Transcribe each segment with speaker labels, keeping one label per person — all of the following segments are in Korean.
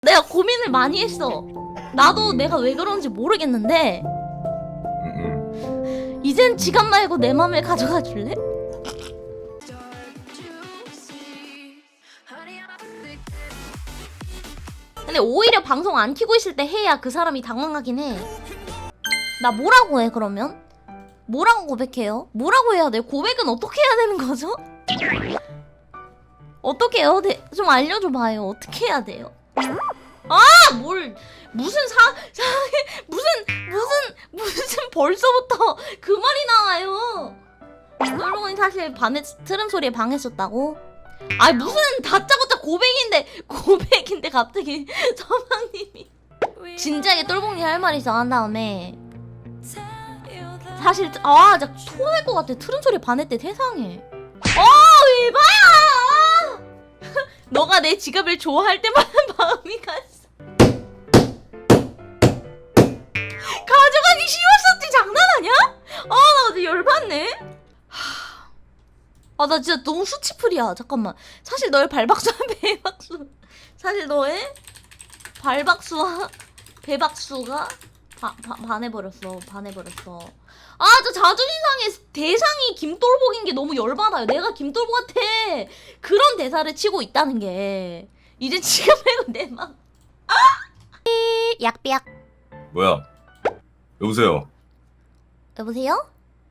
Speaker 1: 내가 고민을 많이 했어. 나도 내가 왜 그런지 모르겠는데 이젠 지갑 말고 내 맘을 가져가 줄래? 근데 오히려 방송 안 켜고 있을 때 해야 그 사람이 당황하긴 해. 나 뭐라고 해 그러면? 뭐라고 고백해요? 뭐라고 해야 돼? 고백은 어떻게 해야 되는 거죠? 어떻게 해요? 좀 알려줘봐요. 어떻게 해야 돼요? 아! 무슨 벌써부터 그 말이 나와요. 똘봉이 사실 트름 소리에 방했었다고? 아니 무슨 다짜고짜 고백인데 갑자기 서방님이 진지하게 똘봉이 할 말 있어 한 다음에 사실 진짜 토할 것 같아. 트름 소리에 반했대. 세상에. 에바야! 너가 내 지갑을 좋아할 때마다 마음이 갔어. 가져가기 쉬웠었지. 장난하냐? 나 어제 열받네. 나 진짜 너무 수치풀이야. 잠깐만. 사실 너의 발박수와 배박수, 사실 너의 발박수와 배박수가 반해버렸어. 저 자존심 상해. 대상이 김돌복인 게 너무 열받아요. 내가 김돌복한테 그런 대사를 치고 있다는 게 이제 지금 말고 내 맘. 약비약.
Speaker 2: 뭐야? 여보세요?
Speaker 1: 여보세요?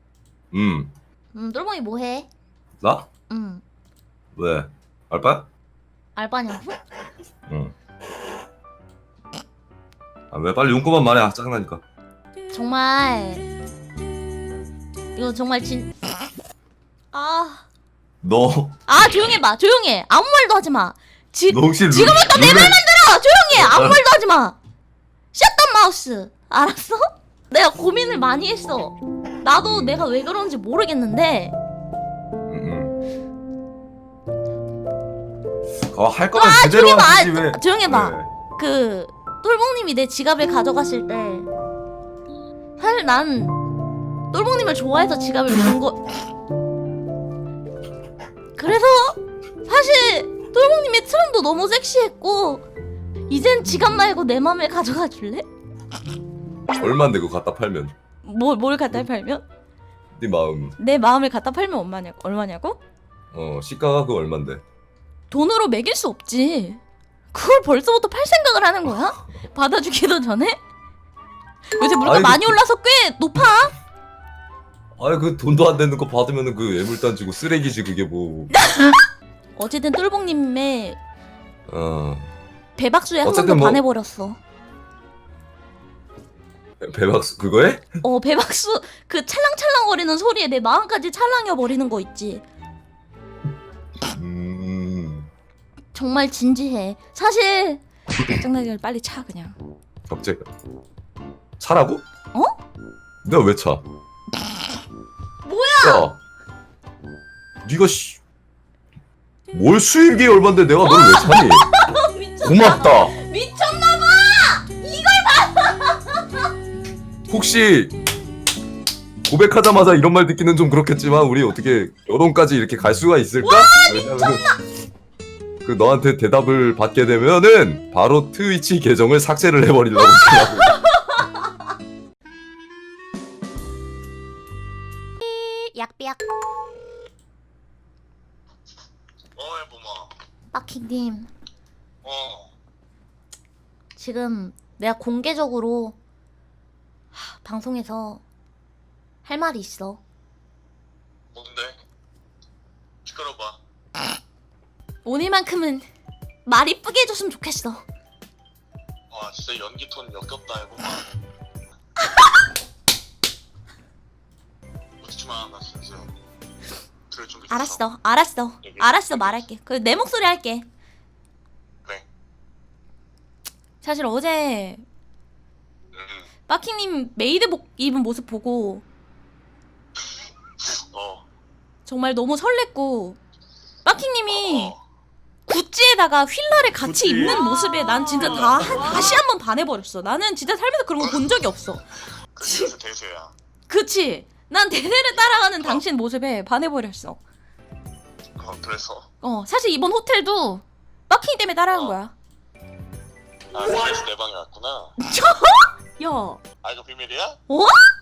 Speaker 1: 똘봉이 뭐해?
Speaker 2: 나? 왜? 알바?
Speaker 1: 알바냐고?
Speaker 2: 응. 왜 빨리 용건만 말해. 짜증나니까.
Speaker 1: 정말 이거 정말
Speaker 2: 너
Speaker 1: 조용해봐. 조용해. 아무 말도 하지마.
Speaker 2: 너 혹시
Speaker 1: 지금부터 내 말만 들어. 조용해. 아무 말도 하지마. 셧던 마우스. 알았어? 내가 고민을 많이 했어. 나도 내가 왜 그런지 모르겠는데
Speaker 2: 할 거면 제대로 하지 왜?
Speaker 1: 조용해봐.
Speaker 2: 네.
Speaker 1: 그 똘봉님이 내 지갑을 가져갔을 때 사실 난 똘봉님을 좋아해서 지갑을 준 거. 그래서 사실 똘봉님의 트름도 너무 섹시했고 이젠 지갑 말고 내 맘을 가져가 줄래?
Speaker 2: 얼만데 그거 갖다 팔면?
Speaker 1: 뭘 갖다 팔면?
Speaker 2: 네 마음.
Speaker 1: 내 마음을 갖다 팔면 얼마냐고?
Speaker 2: 시가가 그거 얼만데?
Speaker 1: 돈으로 매길 수 없지. 그걸 벌써부터 팔 생각을 하는 거야? 받아주기도 전에? 요새 물가 많이 올라서 꽤 높아.
Speaker 2: 그 돈도 안 되는 거 받으면은 그 애물단지고 쓰레기지 그게 뭐.
Speaker 1: 어쨌든 똘봉님의 배박수에 한 번
Speaker 2: 어쨌든
Speaker 1: 더 반해버렸어.
Speaker 2: 배박수 그거에?
Speaker 1: 배박수 그 찰랑찰랑거리는 소리에 내 마음까지 찰랑여버리는 거 있지. 정말 진지해. 사실 짜증나게 빨리 차 그냥.
Speaker 2: 갑자기 차라고? 내가 왜 차?
Speaker 1: 뭐야?
Speaker 2: 야, 네가 뭘 수입이 얼만데 내가 널 왜 차니? 고맙다.
Speaker 1: 미쳤나봐.
Speaker 2: 혹시 고백하자마자 이런 말 듣기는 좀 그렇겠지만 우리 어떻게 결혼까지 이렇게 갈 수가 있을까? 왜냐면 그 너한테 대답을 받게 되면은 바로 트위치 계정을 삭제를 해버리려고 생각하고.
Speaker 1: 약비약.
Speaker 3: 해보마.
Speaker 1: 빠킹님. 지금 내가 공개적으로 방송에서 할 말이 있어.
Speaker 3: 뭔데? 시끄러봐.
Speaker 1: 오늘만큼은 말 이쁘게 해줬으면 좋겠어.
Speaker 3: 와 진짜 연기 톤 역겹다 해보마. 웃지마 나 진짜 들을 준비 됐어.
Speaker 1: 알았어 말할게. 내 목소리 할게.
Speaker 3: 그래.
Speaker 1: 사실 어제 빠킹님 메이드복 입은 모습 보고 정말 너무 설렜고 빠킹님이 구찌에다가 휠라를 같이 입는 모습에 난 진짜 다시 한번 반해버렸어. 나는 진짜 살면서 그런 거 본 적이 없어.
Speaker 3: 그래서 대세야.
Speaker 1: 그치? 난 대세를 따라가는 당신 모습에 반해버렸어.
Speaker 3: 그래서?
Speaker 1: 사실 이번 호텔도 빠킹 때문에 따라간 거야.
Speaker 3: 아 그래서 내 방에 왔구나.
Speaker 1: 야,
Speaker 3: 아 이거 비밀이야?
Speaker 1: 어?